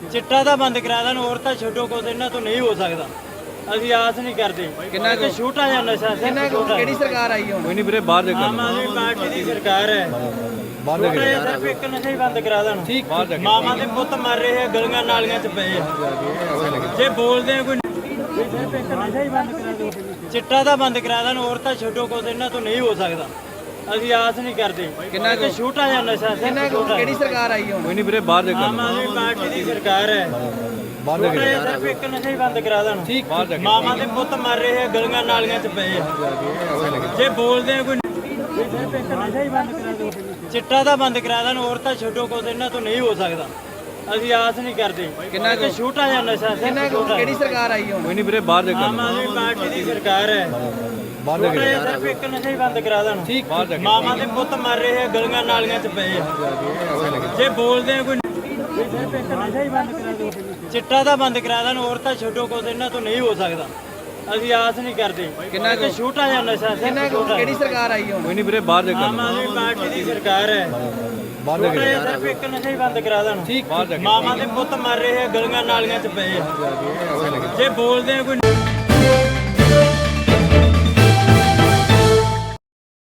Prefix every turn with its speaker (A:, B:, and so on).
A: चिट्टा ਤਾਂ ਬੰਦ ਕਰਾ ਦੇਣ ਹੋਰ ਤਾਂ ਛੱਡੋ ਕੁਝ ਇਹਨਾਂ ਤੋਂ ਨਹੀਂ ਹੋ ਸਕਦਾ ਅਸੀਂ ਆਸ ਨਹੀਂ ਕਰਦੇ ਕਿੰਨਾ ਕਿ ਛੋਟਾ ਜਿਹਾ ਨਸ਼ਾ ਕਿੰਨਾ
B: ਕਿਹੜੀ ਸਰਕਾਰ ਆਈ ਹੁਣ?
C: ਕੋਈ ਨਹੀਂ ਵੀਰੇ ਬਾਹਰ ਦੇ
A: ਆਮ ਆਦਮੀ ਪਾਰਟੀ ਦੀ ਸਰਕਾਰ ਹੈ
C: ਬਾਹਰ ਦੇ
A: ਸਿਰਫ ਇੱਕ ਨਸ਼ਾ ਹੀ ਬੰਦ ਕਰਾ ਦੇਣ ਮਾਵਾਂ ਦੇ ਪੁੱਤ ਮਰ ਰਹੇ ਆ ਗਲੀਆਂ ਨਾਲੀਆਂ 'ਚ ਪਏ ਆ ਜੇ ਬੋਲਦੇ ਆ ਕੋਈ ਸਿਰਫ ਇੱਕ ਨਸ਼ਾ ਹੀ ਬੰਦ ਕਰਾ ਦਿਓ ਚਿੱਟਾ ਤਾਂ ਬੰਦ ਕਰਾ ਦੇਣ ਹੋਰ ਤਾਂ ਛੱਡੋ ਕੁਝ ਇਹਨਾਂ ਤੋਂ ਨਹੀਂ ਹੋ ਸਕਦਾ ਅਸੀਂ ਆਸ ਨਹੀਂ ਕਰਦੇ ਕਿੰਨਾ ਕਿ ਛੋਟਾ ਜਿਹਾ ਨਸ਼ਾ
B: ਕਿਹੜੀ ਸਰਕਾਰ ਆਈ ਹੁਣ?
C: ਕੋਈ ਨਹੀਂ ਵੀਰੇ ਬਾਹਰ ਦੇ
A: ਆਮ ਆਦਮੀ ਪਾਰਟੀ ਦੀ ਸਰਕਾਰ ਹੈ
C: ਬਾਹਰ ਦੇ
A: ਸਿਰਫ ਇੱਕ ਨਸ਼ਾ ਹੀ ਬੰਦ ਕਰਾ ਦੇਣ ਮਾਵਾਂ ਦੇ ਪੁੱਤ ਮਰ ਰਹੇ ਆ ਗਲੀਆਂ ਨਾਲੀਆਂ 'ਚ ਪਏ ਆ ਜੇ ਬੋਲਦੇ ਆ ਕੋਈ ਸਿਰਫ ਇੱਕ ਨਸ਼ਾ ਹੀ ਬੰਦ ਕਰਾ ਦਿਓ ਚਿੱਟਾ ਤਾਂ ਬੰਦ ਕਰਾ ਦੇਣ ਹੋਰ ਤਾਂ ਛੱਡੋ ਕੁਝ ਇਹਨਾਂ ਤੋਂ ਨਹੀਂ ਹੋ ਸਕਦਾ ਅਸੀਂ ਆਸ ਨਹੀਂ ਕਰਦੇ ਕਿੰਨਾ ਕਿ ਛੋਟਾ ਜਿਹਾ ਨਸ਼ਾ
B: ਕਿਹੜੀ ਸਰਕਾਰ ਆਈ ਹੁਣ?
C: ਕੋਈ ਨਹੀਂ ਵੀਰੇ ਬਾਹਰ ਦੇ
A: ਆਮ ਆਦਮੀ ਪਾਰਟੀ ਦੀ ਸਰਕਾਰ ਹੈ
C: ਬਾਹਰ ਦੇ
A: ਸਿਰਫ ਇੱਕ ਨਸ਼ਾ ਹੀ ਬੰਦ ਕਰਾ ਦੇਣ ਮਾਵਾਂ ਦੇ ਪੁੱਤ ਮਰ ਰਹੇ ਆ ਗਲੀਆਂ ਨਾਲੀਆਂ 'ਚ ਪਏ ਆ ਜੇ ਬੋਲਦੇ ਆ ਕੋਈ ਸਿਰਫ ਇੱਕ ਨਸ਼ਾ ਹੀ ਬੰਦ ਕਰਾ ਦਿਓ ਚਿੱਟਾ ਤਾਂ ਬੰਦ ਕਰਾ ਦੇਣ ਹੋਰ ਤਾਂ ਛੱਡੋ ਕੁਝ ਇਹਨਾਂ ਤੋਂ ਨਹੀਂ ਹੋ ਸਕਦਾ ਅਸੀਂ ਆਸ ਨਹੀਂ ਕਰਦੇ ਕਿੰਨਾ ਕਿ ਛੋਟਾ ਜਿਹਾ ਨਸ਼ਾ
B: ਕਿਹੜੀ ਸਰਕਾਰ ਆਈ ਹੁਣ?
C: ਕੋਈ ਨਹੀਂ ਵੀਰੇ ਬਾਹਰ ਦੇ
A: ਆਮ ਆਦਮੀ ਪਾਰਟੀ ਦੀ ਸਰਕਾਰ ਹੈ
C: ਬਾਹਰ ਦੇ
A: ਸਿਰਫ ਇੱਕ ਨਸ਼ਾ ਹੀ ਬੰਦ ਕਰਾ ਦੇਣ ਮਾਵਾਂ ਦੇ ਪੁੱਤ ਮਰ ਰਹੇ ਆ ਗਲੀਆਂ ਨਾਲੀਆਂ 'ਚ ਪਏ ਆ ਜੇ ਬੋਲਦੇ ਆ ਕੋਈ